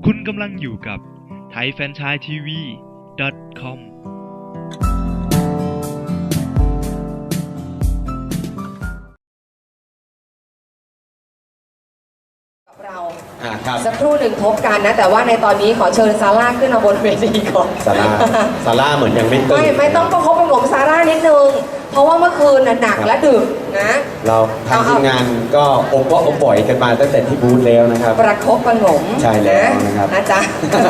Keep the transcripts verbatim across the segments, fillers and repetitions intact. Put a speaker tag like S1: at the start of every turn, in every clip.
S1: คุณกำลังอยู่กับไทยแฟรนไชส์ทีวี ดอท คอม
S2: เราสักครู่หนึ่งพบกันนะแต่ว่าในตอนนี้ขอเชิญซาร่าขึ้นมาบนเวทีก่อน
S3: ซาร่าซาร่าเหมือนยังไม่ตื่น
S2: ไม่ไม่ต้องประคบประหงมซาร่านิดนึงเพราะว่าเมื่อคืนหนักและดึกนะ
S3: เราทางทีมงานก็อบก็อบบ่อยกันมาตั้งแต่ที่บูธแล้วนะครับ
S2: ประคบประหงม
S3: ใช่แล้วนะครับ
S2: นะจ๊ะ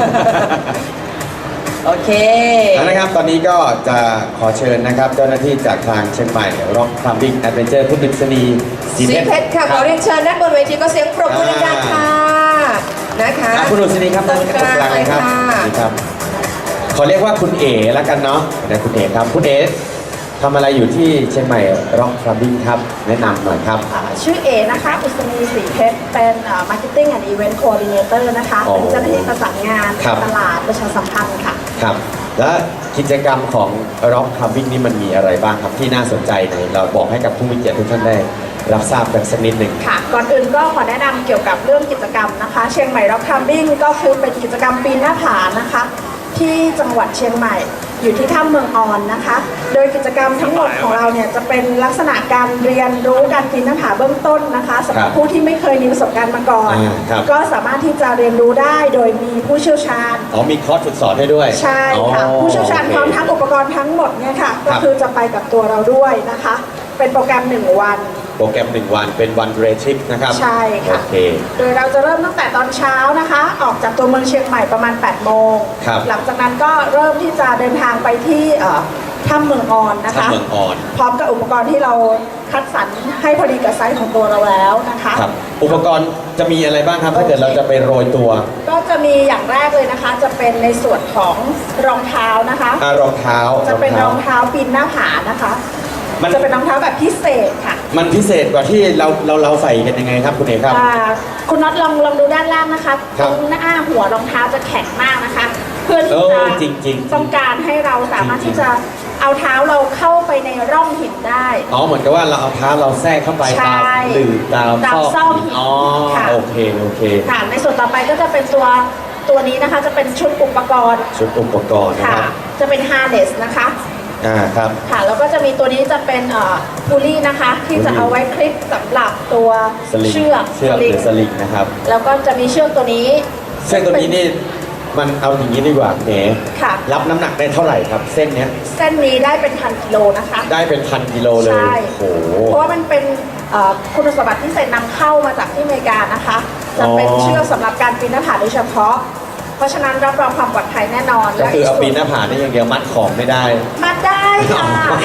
S2: โอเค
S3: นะครับตอนนี้ก็จะขอเชิญนะครับเจ้าหน้าที่จากทางเชียงใหม่ Rock Climbing Adventure คุณดุษณีศรีเพชร
S2: ค่ะขอเรียนเชิญด้านบนเวทีก็เสียงปรบมือดังๆค่ะนะคะ
S3: คุณดุษณีครับตรงกลางเลยครับนี่ครับขอเรียกว่าคุณเอ๋แล้วกันเนาะนะคุณเอ๋ครับคุณเอ๋ทำอะไรอยู่ที่เชียงใหม่ Rock Climbing ครับแนะนำหน่อยครับ
S4: ชื่อเอนะคะอุศนีศรีเพชรเป็น Marketing and Event Coordinator นะคะเป็นเจ้าหน้าที่ประสานงานตลาดประชาสัมพันธ์ค่ะ
S3: ครับและกิจกรรมของ Rock Climbing นี่มันมีอะไรบ้างครับที่น่าสนใจในเราบอกให้กับผู้มีเกียรติทุกท่านได้รับทราบกันสักนิดหนึ่ง
S4: ค่ะก่อนอื่นก็ขอแนะนำเกี่ยวกับเรื่องกิจกรรมนะคะเชียงใหม่ Rock Climbing ก็คือเป็นกิจกรรมปีนหน้าผานะคะที่จังหวัดเชียงใหม่อยู่ที่ถ้ำเมืองออนนะคะโดยกิจกรรมทั้งหมดของเราเนี่ยจะเป็นลักษณะการเรียนรู้การปีนหน้าผาเบื้องต้นนะคะสำหรับผู้ที่ไม่เคยมีประสบการณ์มาก่อนก็สามารถที่จะเรียนรู้ได้โดยมีผู้เชี่ยวชาญ
S3: อ๋อมีคอร์สฝึกสอนให้ด้วย
S4: ใช่ค่ะผู้เชี่ยวชาญพร้อมทั้งอุปกรณ์ทั้งหมดเนี่ยค่ะก็คือจะไปกับตัวเราด้วยนะคะเป็นโปรแกรมหนึ่งวัน
S3: โปรแกรมหนึ่งวันเป็นวันเรทริปนะครับ
S4: ใช่ค่ะโอเคโดยเราจะเริ่มตั้งแต่ตอนเช้านะคะออกจากตัวเมืองเชียงใหม่ประมาณแปดโมงหลังจากนั้นก็เริ่มที่จะเดินทางไปที่ถ้ำเมืองออนนะคะ
S3: ถ้ำเมืองออน
S4: พร้อมกับอุปกรณ์ที่เราคัดสรรให้พอดีกับไซส์ของตัวเราแล้วนะคะ
S3: ครับอุปกรณ์จะมีอะไรบ้างครับถ้าเกิดเราจะไปโรยตัว
S4: ก็จะมีอย่างแรกเลยนะคะจะเป็นในส่วนของรองเท้านะคะ
S3: อ่ารองเท้า
S4: จะเป็นรองเท้าปีนหน้าผานะคะมันจะเป็นรองเท้าแบบพิเศษค่ะ
S3: มันพิเศษกว่าที่เราเราเราใส่กันยังไงครับคุณเอกครับ
S4: คุณน็อตลองลองดูด้านล่างนะคะตรงหน้าหัวรองเท้าจะแข็งมากนะคะเพื่อที่จะต้องการให้เราสามารถที่จะเอาเท้าเราเข้าไปในร่องหินได้
S3: อ๋อเหมือนกับว่าเราเอาเท้าเราแทรกเข้าไปตามหรือตาม
S4: ซอกหิน
S3: อ๋อโอเคโอเค
S4: ค่ะในส่วนต่อไปก็จะเป็นตัวตัวนี้นะคะจะเป็นชุดอุปกรณ์
S3: ชุดอุปกรณ์นะครับ
S4: จะเป็นฮาร์เนสนะคะ
S3: อ่าครับ
S4: ค่ะแล้วก็จะมีตัวนี้จะเป็นเอ่อพูลี่นะคะที่จะเอาไว้คลิปสำหรับตัวเชือก
S3: เชือกหรือสลิงนะครับ
S4: แล้วก็จะมีเชือกตัวนี้
S3: เชือกตัวนี้นี่มันเอาอย่างนี้ดีกว่าเอ๋รับน้ำหนักได้เท่าไหร่ครับเส้นเนี้ย
S4: เส้นนี้ได้เป็นพันกิโลนะคะ
S3: ได้เป็นพันกิโลเลย
S4: ใช่
S3: โอ้
S4: เพราะว่ามันเป็นคุณสมบัติที่เซ็นนำเข้ามาจากที่อเมริกานะคะจะเป็นเชือกสำหรับการปีนหน้าผาโดยเฉพาะเพราะฉะนั้นรับรองความปลอดภัยแน่นอน
S3: ก็คือเอาปีนหน้าผานี่อย่างเดียวมัดของไม่ได้
S4: มัดได้ค่ะ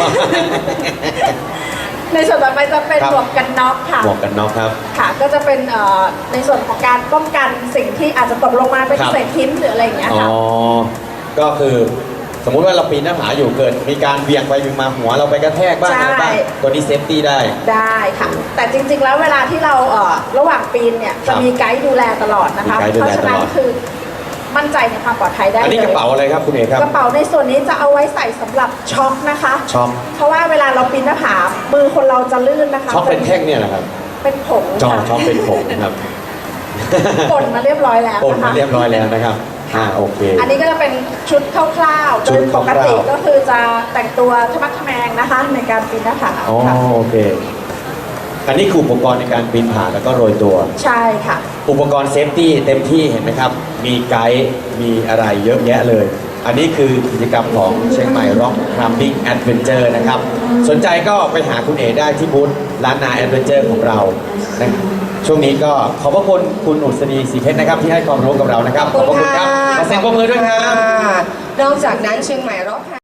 S4: ในส่วนต่อไปจะเป็นหมวกกันน็อกค่ะ
S3: หมวกกันน็อกครับ
S4: ค่ะก็จะเป็นในส่วนของการป้องกันสิ่งที่อาจจะตกลงมาเป็นเศษหินหรืออะไรอย่างเงี้ยค่ะ
S3: อ๋อก็คือสมมุติว่าเราปีนหน้าผาอยู่เกิดมีการเบี่ยงไปเบี่ยงมาหัวเราไปกระแทกบ้างอะไรบ้างตัวนี้เซฟตี้ได้
S4: ได้ค่ะแต่จริงๆแล้วเวลาที่เราระหว่างปีนเนี่ยจะมีไกด์ดูแลตลอดนะคะเพราะฉะนั้นคือมั่นใจในความปลอดภัยได้เลย
S3: อันนี้กระเป๋าอะไรครับคุณเอกครับ
S4: กระเป๋าในส่วนนี้จะเอาไว้ใส่สำหรับช็อคนะคะ
S3: ช็อค
S4: เพราะว่าเวลาเราปีนหน้าผามือคนเราจะลื่นนะคะ
S3: ช็อคเป็นแท่งเนี่ยแหละครับ
S4: เป็นผง
S3: ช็อคช็อคเป็นผงครับ
S4: ป่นมาเรียบร้อยแล้ว
S3: ป่นมาเรียบร้อยแล้วนะครับอ่าโอเค
S4: อันนี้ก็จะเป็นชุดคร่าวๆโดยปกติก็คือจะแต่งตัวทะมัดทะแมงนะคะในการปีนหน้าผา
S3: อ๋อโอเคอันนี้คืออุปกรณ์ในการปีนผาแล้วก็โรยตัว
S4: ใช่ค่ะ
S3: อุปกรณ์เซฟตี้เต็มที่เห็นไหมครับมีไกด์มีอะไรเยอะแยะเลยอันนี้คือกิจกรรมของเชียงใหม่ Rock Climbing Adventure นะครับสนใจก็ไปหาคุณเอ๋ได้ที่บูธร้านนาแอดเวนเจอร์ของเรานะช่วงนี้ก็ขอบพระคุณคุณอุศนีศรีเพชรนะครับที่ให้ความรู้กับเรานะครับขอบพระคุณครับขอเสียงปรบมือด้วยครับ
S2: นอกจากนั้นเชียงใหม่ Rock